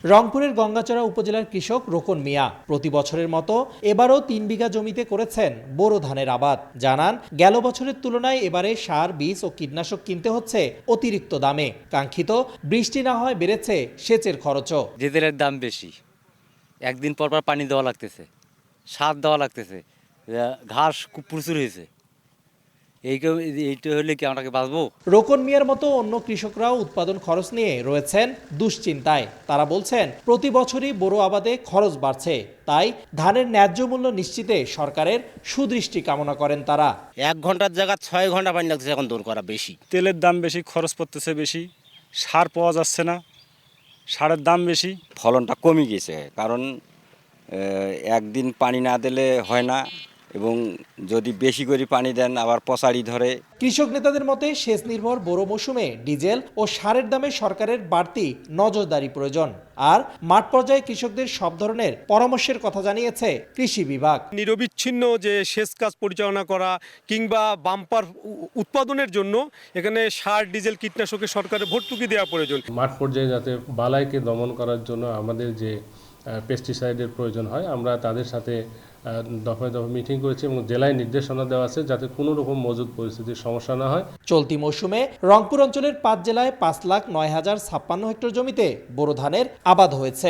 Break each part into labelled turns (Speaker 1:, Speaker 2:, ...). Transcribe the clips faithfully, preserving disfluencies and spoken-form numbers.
Speaker 1: রংপুরের গঙ্গাচড়া উপজেলার কৃষক রোকন মিয়া প্রতি বছরের মতো এবারও তিন বিঘা জমিতে করেছেন বোরো ধানের আবাদ। জানান, গেল বছরের তুলনায় এবারে সার, বীজ ও কীটনাশক কিনতে হচ্ছে অতিরিক্ত দামে। কাঙ্ক্ষিত বৃষ্টি না হয় বেড়েছে সেচের খরচও।
Speaker 2: ডিজেলের দাম বেশি, একদিন পর পর পানি দেওয়া লাগতেছে, সার দেওয়া লাগতেছে, ঘাস খুব প্রচুর হয়েছে। এই এইটা হলে কি আমরা বাঁচবো?
Speaker 1: রোকন মিয়ার মতো অন্য কৃষকরাও উৎপাদন খরচ নিয়ে রয়েছেন দুশ্চিন্তায়। তারা বলছেন, প্রতি বছরই বোরো আবাদে খরচ বাড়ছে, তাই ধানের ন্যায্য মূল্য নিশ্চিতে সরকারের সুদৃষ্টি কামনা করেন তারা।
Speaker 3: এক ঘন্টার জায়গা ছয় ঘন্টা পানি লাগতেছে এখন দৌড় করা বেশি।
Speaker 4: তেলের দাম বেশি, খরচ পড়তেছে বেশি, সার পাওয়া যাচ্ছে না, সারের দাম বেশি।
Speaker 5: ফলনটা কমে গেছে, কারণ একদিন পানি না দিলে হয় না, এবং যদি বেশি করে পানি দেন আবার পচাড়ি ধরে।
Speaker 1: কৃষক নেতাদের মতে সেচ নির্ভর বোরো মৌসুমে ডিজেল ও সারের দামে সরকারের বাড়তি নজরদারি প্রয়োজন। আর মাঠ পর্যায়ে কৃষকদের সব ধরনের পরামর্শের কথা জানিয়েছে কৃষি বিভাগ।
Speaker 6: নিরবিচ্ছিন্ন যে সেচ কাজ পরিচালনা করা কিংবা বাম্পার উৎপাদনের জন্য এখানে সার, ডিজেল, কীটনাশকে সরকারের ভর্তুকি দেওয়া প্রয়োজন।
Speaker 7: মাঠ পর্যায়ে যাতে বালাইকে দমন করার জন্য আমাদের যে পেস্টিসাইডের প্রয়োজন হয়, আমরা তাদের সাথে দফায় দফায় মিটিং করেছি এবং জেলায় নির্দেশনা দেওয়া আছে যাতে কোনো রকম মজুদ পরিস্থিতির সমস্যা না হয়।
Speaker 1: চলতি মৌসুমে রংপুর অঞ্চলের পাঁচ জেলায় পাঁচ লাখ নয় হাজার ছাপ্পান্ন হেক্টর জমিতে বোরো ধানের আবাদ হয়েছে।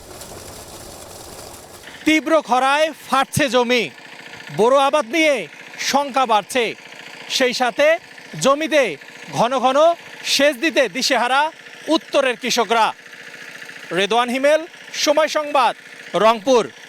Speaker 1: তীব্র খরায় ফাটছে জমি, বোরো আবাদ নিয়ে শঙ্কা বাড়ছে। সেই সাথে জমিতে ঘন ঘন সেচ দিতে দিশেহারা উত্তরের কৃষকরা। রেদওয়ান হিমেল, সময় সংবাদ, রংপুর।